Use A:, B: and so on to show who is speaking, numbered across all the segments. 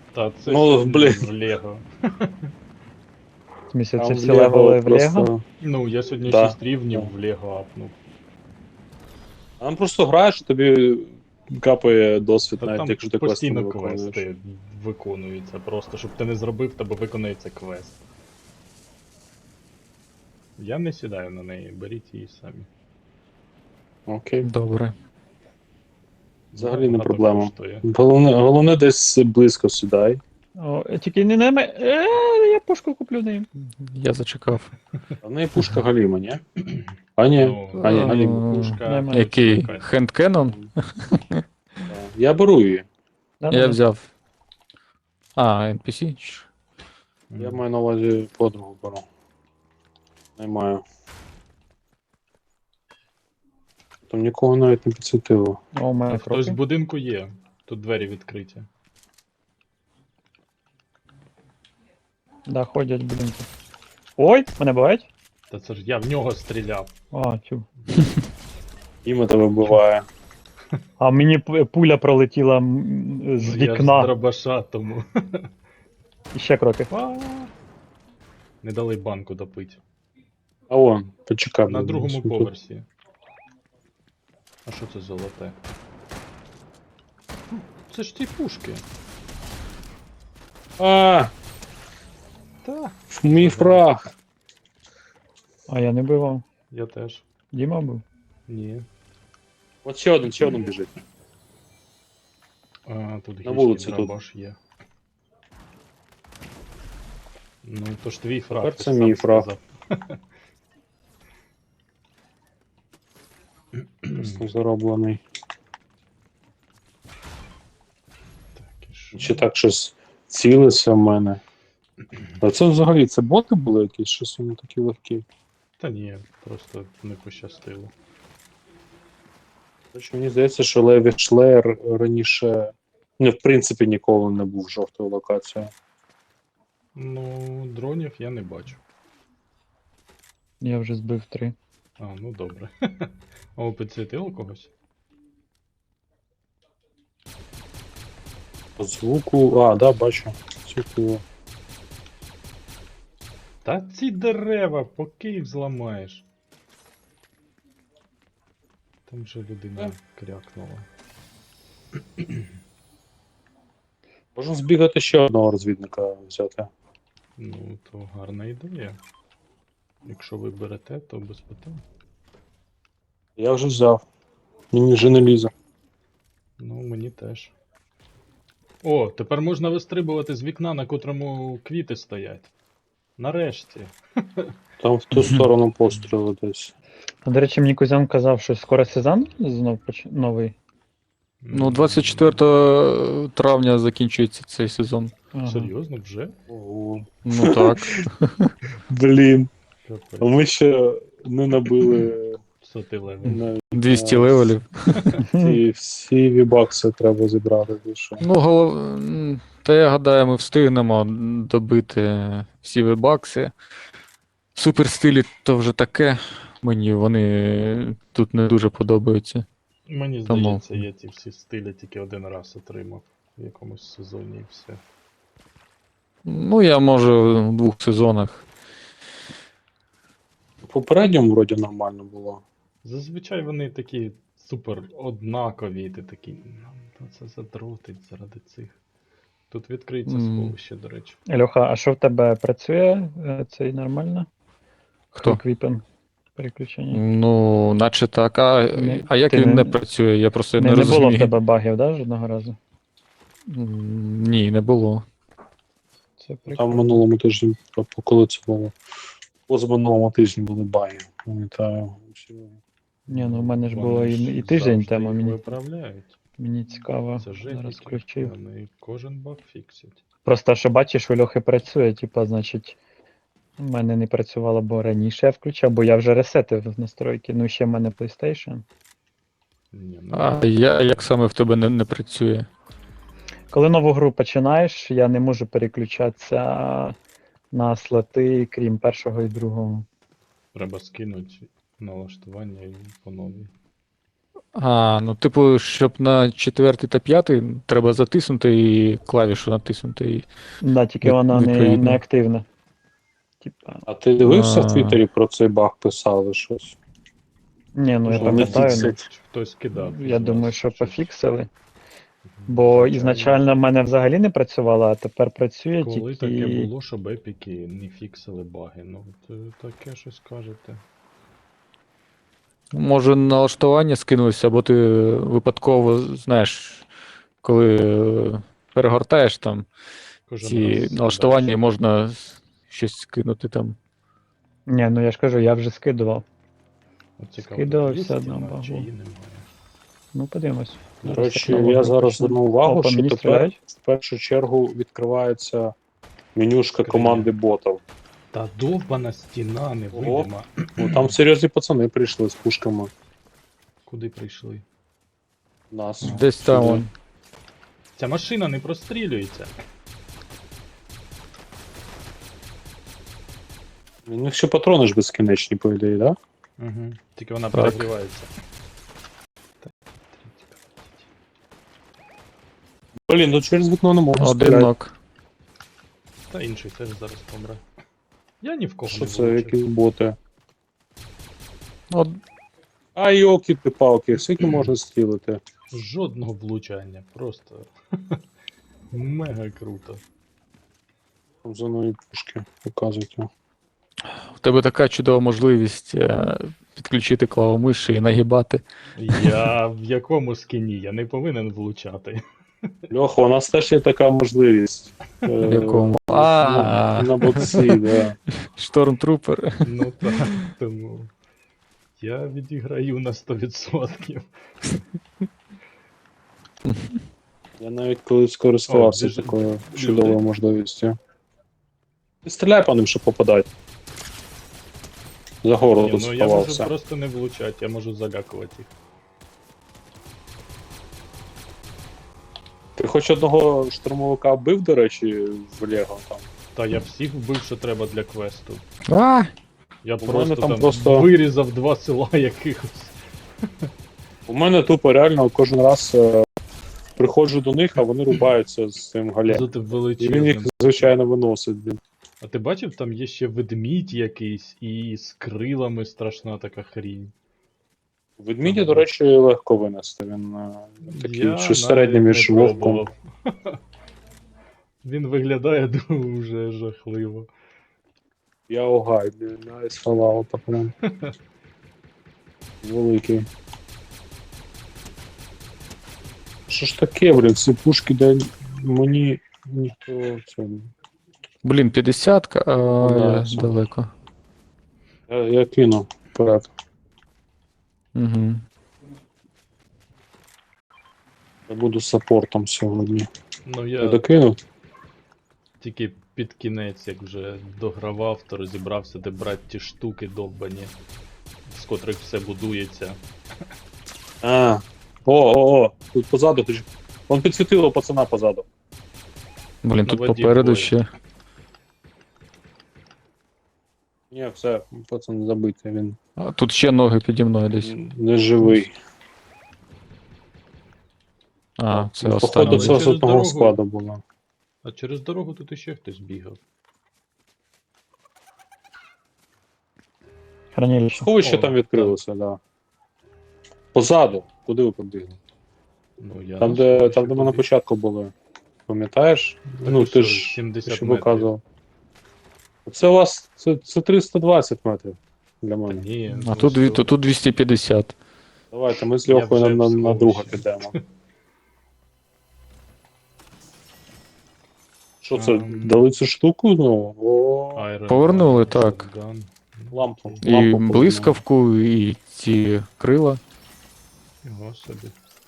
A: Та це
B: Ну,
A: ще
B: блін.
A: в Лего.
C: В смысле,
B: Там
C: це
B: в
C: всі
B: Лего
C: левели в Лего?
B: просто...
A: Ну, я сьогодні
B: Да,
A: 6 рівнів
B: да.
A: в Лего апнув.
B: Там просто граєш, і тобі капає досвід,
A: Та
B: навіть
A: там
B: якщо ти квести не
A: постійно
B: виконуєш.
A: квести виконуються. Просто щоб ти не зробив, тебе виконується квест. Я не сідаю на неї, беріть її самі.
B: Окей.
D: Добре.
B: Взагалі не
A: Багато
B: проблема.
A: коштує.
B: Головне десь близько сідай.
C: О, тільки не на мене. Я пушку куплю нею.
D: Я зачекав.
B: А в неї пушка Галіма, ні? А ні,
A: Ну,
B: а ні, Галіма.
A: пушка.
C: Немає.
D: Який?
A: чекай.
D: Хендкенон?
B: Я беру її.
D: Я взяв. А, NPC?
B: Я маю на увазі подругу беру. Не маю. Там нікого навіть не підсвітило.
C: О, у мене
A: Хтось в
C: кроки.
A: будинку є. Тут двері відкриті.
C: Да, ходять в будинку. Ой, мене бувають?
A: Та це ж я в нього стріляв.
C: А, тю.
B: Іма тебе вбиває.
C: А мені пуля пролетіла з
A: Ну, я ж з
C: вікна.
A: дробаша, тому.
C: І ще кроки.
A: Не дали банку допити.
B: А вон, почекай.
A: На
B: будь
A: другому
B: ласка, тут.
A: поверсі. А що це золоте? Це ж ті пушки.
B: А,
A: Та.
B: мій фраг.
C: А я не бивав.
A: Я теж.
C: Діма був.
A: Ні.
B: От ще один біжить.
A: А, тут
B: На вулиці
A: гільський
B: тут.
A: дробаш є. Ну, то ж твій фраг.
B: Тепер
A: ти
B: це
A: ж
B: мій
A: сам
B: фраг.
A: сказав.
B: Просто зароблений.
A: Так, і що?
B: Чи так щось цілиться в мене. А це взагалі, це боти були якісь, щось вони такі легкі.
A: Та ні, просто не пощастило.
B: Тож мені здається, що Леві Шлеєр раніше, в принципі, ніколи не був жовтою локацією.
A: Ну, дронів я не бачу.
C: Я вже збив 3.
A: А, ну добре. О, підсвітило когось?
B: По звуку. А, да, бачу. Цікаво.
A: Та ці дерева, поки їх зламаєш. Там же людина крякнула.
B: Можна збігати ще одного розвідника взяти.
A: Ну, то гарна ідея. Якщо ви берете, то без питань.
B: Я вже взяв. Мені вже не лізе.
A: Ну, мені теж. О, тепер можна вистрибувати з вікна, на котрому квіти стоять. Нарешті.
B: Там в ту сторону постріли десь.
C: А до речі, мені Кузян казав, що скоро сезон знов новий.
D: Ну, 24 травня закінчується цей сезон.
C: Ага.
A: Серйозно, вже?
B: Ого.
D: Ну так.
B: Блін. А
A: Капець.
B: ми ще не набили
A: Соти левел.
B: навіть
D: 200 левелів.
B: ті всі вібакси треба зібрати більше.
D: Ну, та я гадаю, ми встигнемо добити всі вебакси. В суперстилі то вже таке. Мені вони тут не дуже подобаються.
A: Мені
D: Тому.
A: здається, я ці всі стилі тільки один раз отримав в якомусь сезоні і все.
D: Ну, я може в 2 сезонах.
B: В попередньому вроді нормально було.
A: Зазвичай вони такі супер однакові, і ти такий, ну це задротить заради цих. Тут відкриється сховище, до речі.
C: Льоха, а що в тебе працює цей нормально?
D: Хто?
C: Квіпен переключення.
D: Ну, наче так. А як
C: Ти
D: він
C: не-
D: не працює? Я просто не
C: Не було в
D: розумію.
C: тебе багів, да, жодного разу?
D: Ні, не було.
C: Це
B: Там в
C: прикольно.
B: минулому тижні, коли це було. Позаминулому тижні були баги. Пам'ятаю.
C: Ні, ну в мене ж
A: Вони
C: було
A: ж
C: і тиждень
A: завжди
C: тому.
A: їх
C: Мені,
A: виправляють.
C: мені цікаво.
A: Це
C: Зараз
A: жесть,
C: включив.
A: вони кожен баг фіксять.
C: Просто що бачиш, у Льохи працює, типа, значить, у мене не працювало, бо раніше я включав, бо я вже ресетив настройки. Ну, ще в мене PlayStation.
A: Ні, ну,
D: А як саме в тебе не працює?
C: Коли нову гру починаєш, я не можу переключатися на слоти, крім першого і другого.
A: треба скинути налаштування і по новій.
D: Ну, типу, щоб на четвертий та п'ятий треба затиснути і клавішу натиснути. І...
C: Да, тільки
D: Від-
C: вона не
D: відповідно.
C: активна. Типа.
B: А ти дивився в
D: А.
B: Твіттері про цей баг писали щось?
C: Ні, ну я
B: Що вони
C: пам'ятаю, ну,
B: фіксять?
A: Хтось кидав.
C: я
A: із
C: думаю,
A: вас
C: що
A: щось.
C: пофіксили. Бо
A: Звичайно.
C: ізначально в мене взагалі не працювало, а тепер працює
A: Коли
C: тільки.
A: таке було, щоб епіки не фіксили баги? Ну, таке щось кажете.
D: Може налаштування скинулося, або ти випадково, знаєш, коли перегортаєш там
A: Кожен
D: ці
A: раз
D: налаштування,
A: задача.
D: можна щось скинути там.
C: Ні, ну я ж кажу, я вже скидував.
A: От цікаво,
C: Скидав
A: тут є
C: все одно
A: стіна,
C: багу.
A: чи її немає?
C: Ну, подивимось.
B: До
C: Зараз
B: речі,
C: технологію
B: я зараз
C: почну.
B: звернув увагу,
C: О, по
B: що
C: мені
B: тепер
C: стріляють.
B: в першу чергу відкривається менюшка
A: Скриня.
B: команди ботів.
A: Та довбана стіна невидима.
B: Ну, там серйозні пацани прийшли з пушками.
A: Куди прийшли?
B: Нас.
D: Десь там
B: Сюди.
D: он.
A: Ця машина не прострілюється.
B: У них ще патрони ж безкінечні, по ідеї, так? Да?
A: Угу. Тільки вона
D: Так.
A: перегрівається.
B: Блін, ну через вікно не можна
D: Один
B: стріляти.
D: нок.
A: Та інший теж зараз помре. Я ні в кого
B: Що
A: не
B: це,
A: влучив.
B: які боти?
D: От,
B: А йоки-ти-палки, скільки можна стілити?
A: Жодного влучання. Просто мега круто.
B: Там за мною пушки показують.
D: в тебе така чудова можливість підключити клавомиші і нагибати.
A: Я в якому скіні? Я не повинен влучати.
B: Льоха, у нас теж є така можливість.
D: В якому?
B: На боці, да.
D: Штормтрупер.
A: Ну так, тому я відіграю на 100%.
B: Я навіть колись користувався
A: О, біжить.
B: такою чудовою можливістю. Ти стріляй по ним, щоб попадати. За гору
A: Ні, ну я можу
B: сховався.
A: просто не влучати, я можу залякувати їх.
B: Ти хоч одного штурмовика вбив, до речі, в Лего там?
A: Та я всіх вбив, що треба для квесту.
D: А!
A: Я
B: мене
A: просто
B: там
A: там
B: просто-
A: вирізав 2 села якихось.
B: У мене тупо реально кожен раз приходжу до них, а вони рубаються з цим галем.
A: Зате
B: І він їх,
A: величезним.
B: звичайно, виносить, блін.
A: А ти бачив, там є ще ведмідь якийсь і з крилами страшна така хрінь.
B: Ведмідя, до речі, легко винести. Він такий
A: Я
B: щось середнє
A: навіть
B: між
A: не
B: вовком.
A: пробував. Він виглядає дуже жахливо.
B: Я огай, блін, я сховав прям. Великий. Що ж таке, блін, ці пушки, де мені ніхто це.
D: Блін, 50-ка, а
B: Да,
D: я
B: це-
D: далеко.
B: Я кину вперед.
D: Угу.
B: Я буду саппортом сьогодні.
A: Ну
B: Я
A: я
B: докинув?
A: тільки під кінець, як вже догравав, то розібрався, де брати ті штуки довбані, з котрих все будується.
B: А. О, тут позаду. Вон підсвітило пацана позаду.
D: Блін,
A: На
D: тут
A: воді
D: попереду
A: двоє.
D: ще.
B: Ні, все, пацан забитий, він
D: А тут ще ноги піді мною десь.
B: не живий.
D: А, це
B: Ну,
D: останній.
B: походу, це
A: Через
B: з одного
A: дорогу.
B: складу було.
A: А через дорогу тут іще хтось бігав.
C: Хранилище.
B: Сховище
A: О,
B: там відкрилося, да. Позаду. Куди ви побігли?
A: Ну, я
B: Там,
A: на
B: де
A: сховище
B: ми на
A: побіг.
B: початку були. Пам'ятаєш?
A: Так
B: Ну,
A: і
B: ти
A: що,
B: ж
A: 70
B: що
A: метрів.
B: показував. Це у вас це 320 метрів для
A: Та
B: мене.
A: ні,
D: А
A: ну
D: тут,
A: що?
D: тут 250.
B: Давайте ми з
A: Я
B: Льохою
A: вже в
B: на друга
A: сховищі.
B: підемо. Що це, дали цю штуку? Ну,
A: Iron
D: Повернули,
A: Gun,
D: так.
A: Shotgun. Ну,
B: Лампу.
A: окей.
D: І
B: Лампу
D: блискавку, і ці крила.
A: Його собі.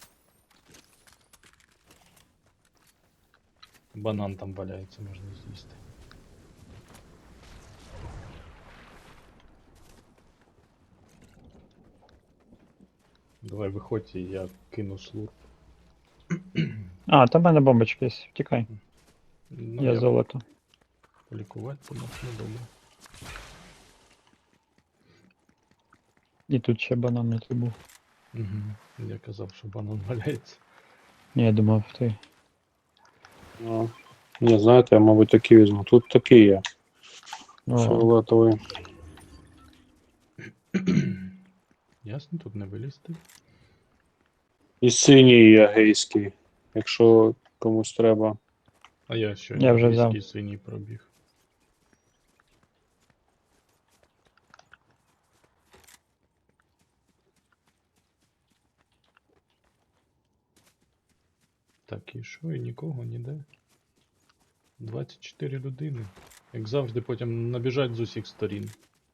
A: Банан там валяється, можна з'їсти. Давай виходь, і я кину слур.
C: А, там в мене бомбочки є. Втікай.
A: Ну,
C: Я золото.
A: полікувати помог, ну добре.
C: І тут ще банан не був.
A: Угу. Я казав, що банан валяється.
C: Ні, я думав, ти.
B: Ну, ні, знаєте, я, мабуть, такий візьму. Тут такий є.
C: О,
B: Фіолетовий.
A: Ясно, тут не вилізти.
B: І синій є гейський, якщо комусь треба.
A: А я що,
C: Я вже взяв.
A: англійський синій пробіг. Так, і що, і нікого ніде. 24 людини. Як завжди, потім набіжать з усіх сторін.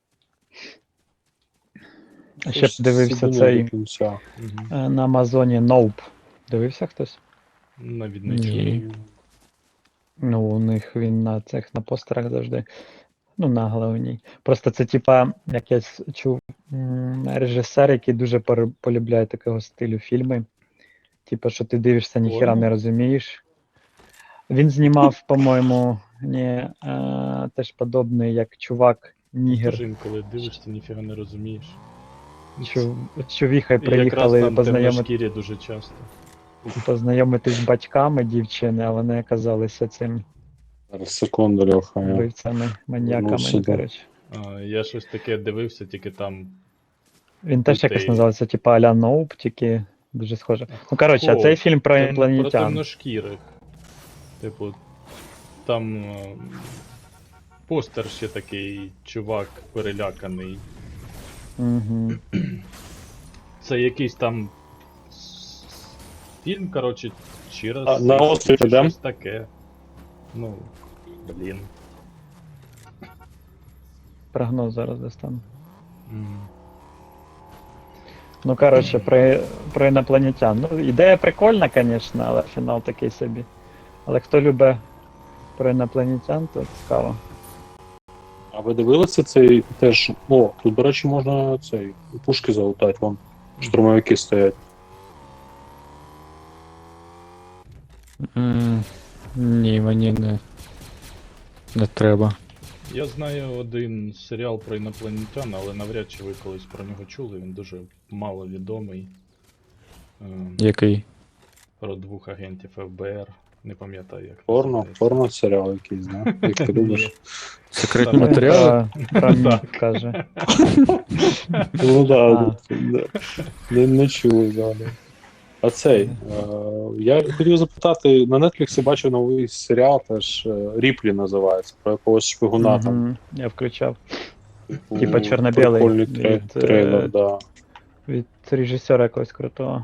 C: а ще б дивився
B: Сидимо
C: цей
B: до кінця.
A: Угу.
C: на Амазоні Nope. Дивився хтось?
A: Навіть не чую.
D: Ні.
C: Ну, у них він на цих на постерах завжди. Ну, на головній. Просто це, типа, як я чув, режисер, який дуже полюбляє такого стилю фільми. Типа, що ти дивишся, ніхіра
A: Порно?
C: не розумієш. Він знімав, по-моєму, теж подобний, як чувак Нігер.
A: Тож інколи дивишся, ніфіга не розумієш.
C: З чувіхою
A: І якраз
C: приїхали
A: там
C: познайомити.
A: темношкірі дуже часто.
C: Познайомитись з батьками дівчини, а вони оказалися цим
B: Зараз секунду, Льоха. Я...
C: вбивцями, маньяками,
B: сюди.
C: коротше.
A: Я щось таке дивився, тільки там.
C: Він теж
A: Дітей.
C: якось називається, типу а-ля Ноуп, тільки дуже схоже. Ну, коротше, а
A: О,
C: цей фільм про
A: Про
C: інопланетян.
A: темношкірих. Типу, там постер ще такий, чувак переляканий.
C: Угу.
A: Це якийсь там фільм, коротше, чи раз.
B: А, на острів
A: чи
B: ідем?
A: щось таке. Ну, блін.
C: Прогноз зараз достану.
A: М.
C: Ну, коротше, про інопланетян. Ну, ідея прикольна, звісно, але фінал такий собі. Але хто любить про інопланетян, то цікаво.
B: А ви дивилися цей теж. О, тут, до речі, можна цей пушки залутати, вон штурмовики стоять.
D: Ні, мені не треба.
A: Я знаю один серіал про інопланетян, але навряд чи ви колись про нього чули, він дуже мало відомий.
D: Який?
A: Про двох агентів ФБР. Не пам'ятаю, як
B: Порно,
A: називається.
B: порно серіал якийсь, да? Як ти любиш.
D: Секретні
A: Так.
D: матеріали?
C: Про міф, каже.
B: Ну да,
C: А.
B: да. Не чули взагалі. А цей, я хотів запитати, на Netflix бачив новий серіал, теж Ріплі називається, про якогось шпигуна там.
C: Мгм, я включав.
B: Типу,
C: Типа чорно-білий
B: прикольний
C: від,
B: трейлер, да.
C: Від режисера якогось крутого.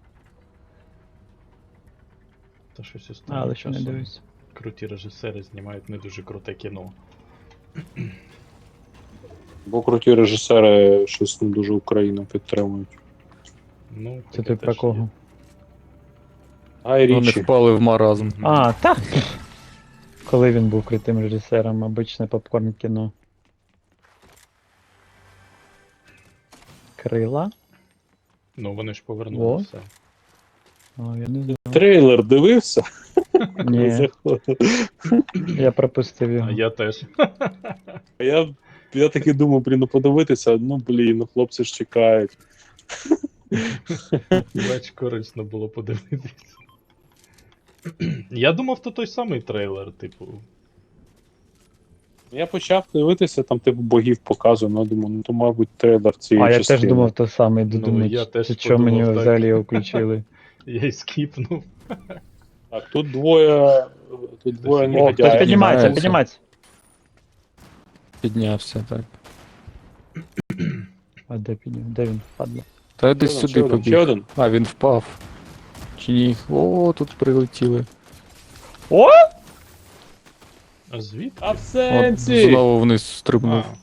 A: Та щось останнім
C: Але ще не
A: часом
C: дивлюсь.
A: круті режисери знімають не дуже круте кіно.
B: Бо круті режисери щось не дуже Україну підтримують.
A: Ну,
C: Це
A: таке
C: ти про
A: теж
C: кого?
A: є.
B: Гай
D: Вони
B: Річі.
D: впали в маразм.
A: Мгм.
C: А, так. Коли він був крутим режисером, обичне попкорн кіно. Крила?
A: Ну, вони ж повернули
C: О.
A: все.
C: О, я не знаю.
B: Трейлер дивився?
C: Ні,
B: Заходив.
C: я пропустив його.
A: А я теж.
B: Я таки думав, блін, ну подивитися, ну блін, ну хлопці ж чекають.
A: Бач, корисно було подивитися. Я думав, то той самий трейлер, типу.
B: Я почав дивитися, там типу богів показує, ну думаю, ну то мабуть трейлер цієї
C: А я
B: частини.
C: теж думав то саме,
A: Ну,
C: думаю,
A: я теж
C: що мені
A: подумав так.
C: взагалі його включили.
A: Я й скіпнув.
B: Так, тут двоє
A: О,
C: О, хтось
B: негодяїв.
C: піднімається,
D: піднімається.
C: піднімається.
D: Піднявся, так.
C: А де підняв? Де він впадло?
D: Та десь
B: Ще
D: сюди
B: один, ще
D: побіг.
B: один.
D: А, він впав. Чи ні? О, тут прилетіли.
C: О!
A: А звідки?
B: А в
D: От
B: сенсі!
D: знову вниз стрибнув.
A: А,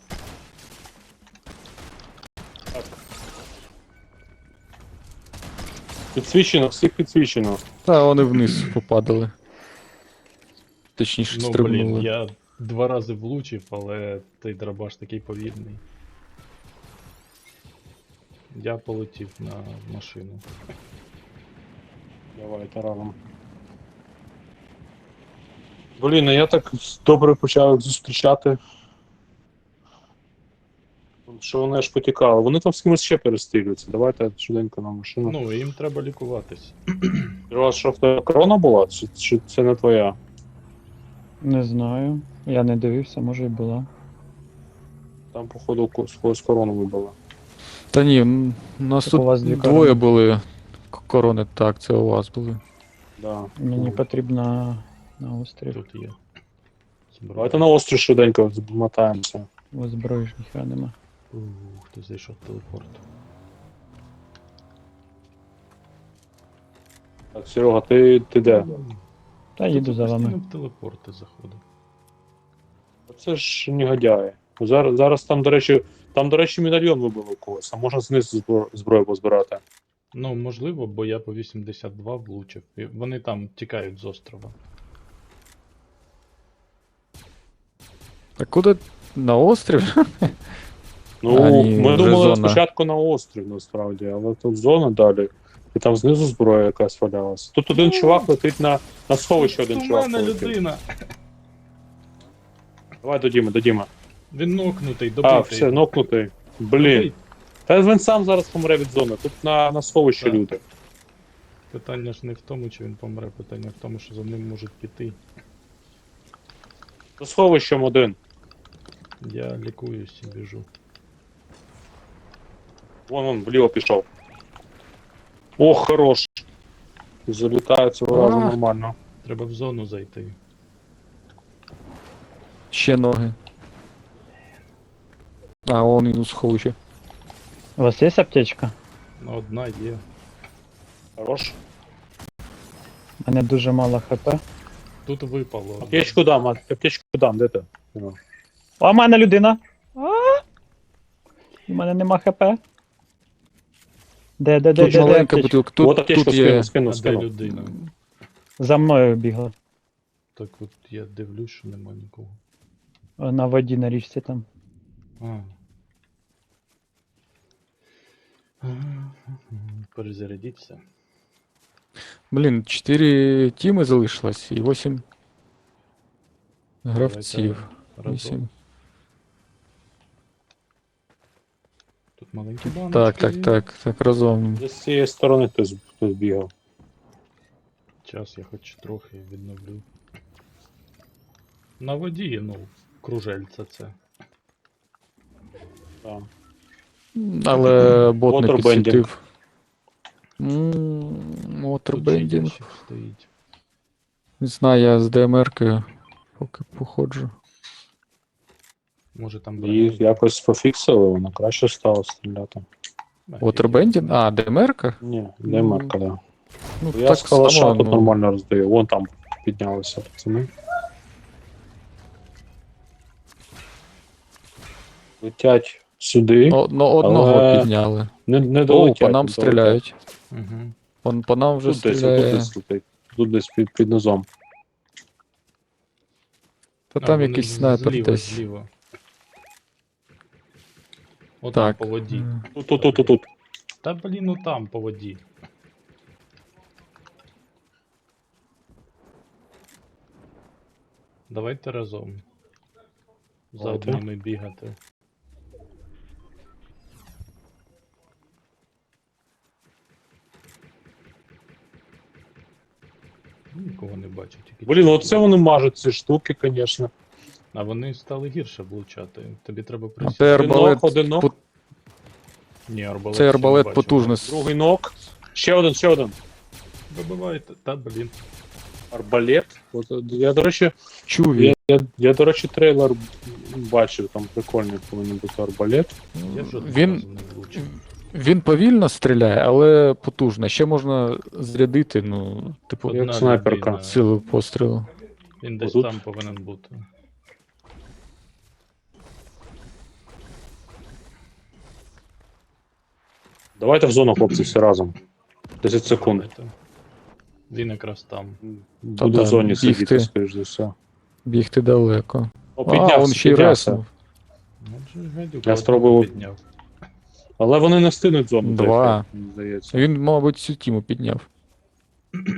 B: Підсвічено, всіх підсвічено.
D: Та вони вниз попадали. Точніше,
A: ну
D: стрибнули.
A: блін, я 2 рази влучив, але той драбаш такий повільний. Я полетів на машину.
B: Давайте разом. Блін, а я так добре почав їх зустрічати. Що вони аж потікали. Вони там з кимось ще перестрілюються. Давайте швиденько на машину.
A: Ну, їм треба лікуватись.
B: У вас що в тебе корона була? Чи це не твоя?
C: Не знаю. Я не дивився, може і була.
B: Там, походу, з когось корону вибила.
D: Та ні, у нас
C: Так
D: тут
C: у вас дві
D: двоє
C: корони.
D: були корони, так, це у вас були.
B: Да.
C: Мені потрібно на острів.
A: Тут є. Зброя.
B: Давайте на острів швиденько змотаємося.
C: У зброї ж ніхера нема.
A: Хто зайшов в телепорт.
B: Так, Серега, ти де?
C: Та їду за
A: Постійно
C: вами.
A: в телепорти заходив.
B: Це ж негодяї. Зараз там, до речі, медальйон вибив у когось, а можна знизу зброю позбирати.
A: Ну, можливо, бо я по 82 влучив. І вони там тікають з острова.
D: А куди? На острів?
B: Ну,
D: А, ні,
B: ми
D: вже
B: думали
D: зона.
B: спочатку на острів, насправді, але тут зона далі. І там знизу зброя якась валялася. Тут один чувак летить на сховище, один
A: У
B: чувак
A: мене
B: летить.
A: людина!
B: Давай до Діми.
A: Він нокнутий, добитий.
B: А, все, нокнутий. Блін. Та він сам зараз помре від зони. Тут на сховище
A: Так.
B: люди.
A: Питання ж не в тому, чи він помре, питання в тому, що за ним можуть піти.
B: За сховищем один.
A: Я лікуюсь і біжу.
B: Вон, вліво пішов. Ох, хорош. Залітає цього разу
D: А.
B: нормально.
A: Треба в зону зайти.
D: Ще ноги. А, он він у сховищі.
C: У вас є аптечка?
A: Ну, одна є.
B: Хорош.
C: У мене дуже мало хп.
A: Тут випало.
B: Аптечку дам, де ти?
C: А в мене людина! У мене нема хп. Де
D: Тут
C: аптечка?
D: маленька бутилка,
B: От
D: тут
B: аптечку
D: є.
A: А
B: скину.
A: де людина?
C: За мною бігла.
A: Так от я дивлюсь, що нема нікого.
C: На воді на річці там.
A: А. Перезарядіться.
D: Блін, 4 тіми залишилось і 8 гравців.
A: Разом.
D: 8.
A: Тут маленькі баночки.
D: Так, разом.
B: З цієї сторони хтось бігав.
A: Час я хоч трохи відновлю. На воді, ну, кружельце це.
B: Так.
D: Але бот не
B: Waterbending.
D: підсвітив.
A: Тут
D: Моторбендінг.
A: ще стоїть.
D: Не знаю, я з ДМР-кою поки походжу.
A: Може там
B: Їх якось пофіксили, воно краще стало стріляти.
D: Waterbending? А, ДМР-ка?
B: Ні, не марка, да.
D: Ну,
B: Я
D: так
B: з калаша
D: само,
B: тут
D: ну,
B: нормально роздаю. Вон там піднялися пацани. Летять сюди.
D: Одного
B: але
D: підняли.
B: Не
D: О,
B: долетять.
D: по нам
B: не долетять.
D: стріляють.
A: Угу.
D: По нам вже
B: Тут десь,
D: стріляє.
B: тут десь летить. Тут десь під низом.
D: Та там якийсь снайпер
A: зліва,
D: десь.
A: зліва. От
D: Так.
A: там по воді.
B: Тут.
A: Та блін, ну там по воді. Давайте разом. За
B: Давайте.
A: одними бігати. Нікого не бачу, тільки.
B: Блін, оце вони мажуть ці штуки, звісно.
A: А вони стали гірше влучати. Тобі треба
D: А
A: присісти.
D: це арбалет,
B: один ног.
A: Ні, арбалет.
D: це
A: ще
D: арбалет
A: не бачу.
D: потужний.
B: Другий нок. Ще один.
A: Вибивайте. Та блін.
B: Арбалет. От, я, до речі,
D: Чуві.
B: я, до речі, трейлер бачив, там прикольний повинен бути арбалет.
A: Я жодного
D: Він-
A: разу не влучив.
D: Він повільно стріляє, але потужно. Ще можна зарядити, ну, типу,
A: Одна
B: як снайперка.
A: людина.
D: силу пострілу.
A: Він десь
B: Отут?
A: там повинен бути.
B: Давайте в зону, хлопці, всі разом. 10 секунд.
A: Давайте. Він якраз там.
B: Буде
D: да,
B: в зоні
D: бігти.
B: сидіти, скоріш за все.
D: Бігти далеко.
B: О,
D: А, він ще й реснув.
A: Отже, гадюк,
B: Я
A: одного
B: спробував.
A: підняв.
B: Але вони не встигнуть зону.
D: Два.
B: дойти, мені здається.
D: Він, мабуть, всю тіму підняв.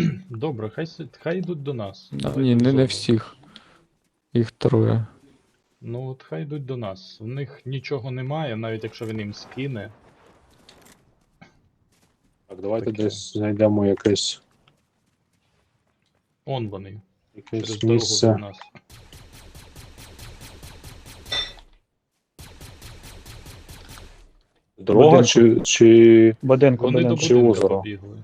A: Добре, хай йдуть до нас.
D: А,
A: Давайте
D: ні,
A: в
D: не
A: зону.
D: всіх. Їх троє.
A: Ну от хай йдуть до нас. У них нічого немає, навіть якщо він їм скине.
B: Так, давайте
A: Таке.
B: десь знайдемо якесь
A: Он вони. Через дорогу до
B: місце.
A: нас.
B: Дорога
C: Будинку.
B: чи
C: Будинку,
A: Вони до
C: будинку.
B: Чи
A: будинку
B: озеро?
A: побігли.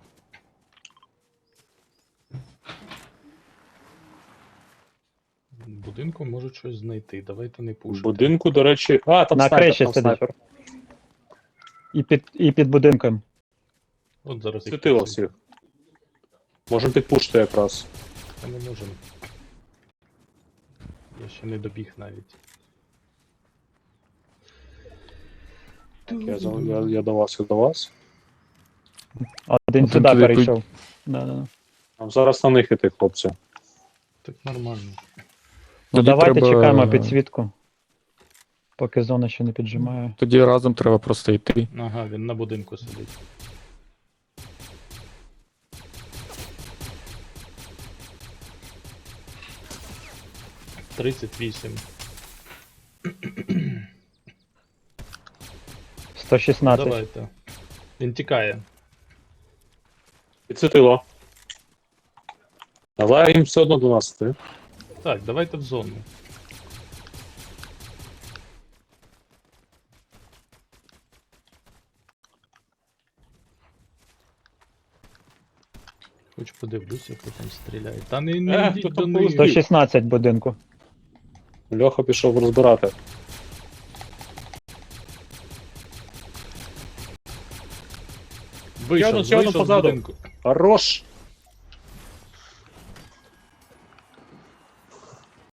A: Будинку можуть щось знайти. Давайте не
B: в
A: пушити.
B: будинку, до речі. А, там
C: На
B: снайпер,
C: криші
B: там
C: сидить.
B: снайпер.
C: І під будинком.
A: От зараз їх
B: Світило
A: тут
B: всіх. Можемо підпушити якраз.
A: Та не можемо. Я ще не добіг навіть.
B: Я до вас, я до вас.
C: Один
D: Один
C: сюди
D: туди
C: перейшов. Да.
B: Там зараз на них іти, хлопці.
A: Так нормально.
C: Ну
D: Тоді
C: давайте
D: треба-
C: чекаємо підсвітку. Поки зона ще не піджимає.
D: Тоді разом треба просто йти.
A: Ага, він на будинку сидить. — 38.
C: 116.
A: Давайте. Він тікає.
B: Підсвітило. Але їм все одно до нас іти.
A: Так, давайте в зону. Хоч подивлюся, хто там стріляє. Та не йдіть
B: хто
A: до
B: там
A: них.
C: 116 будинку.
B: Льоха пішов розбирати.
A: Вийшов,
B: ще одну
A: вийшов з
B: позаду.
A: будинку.
B: Хорош!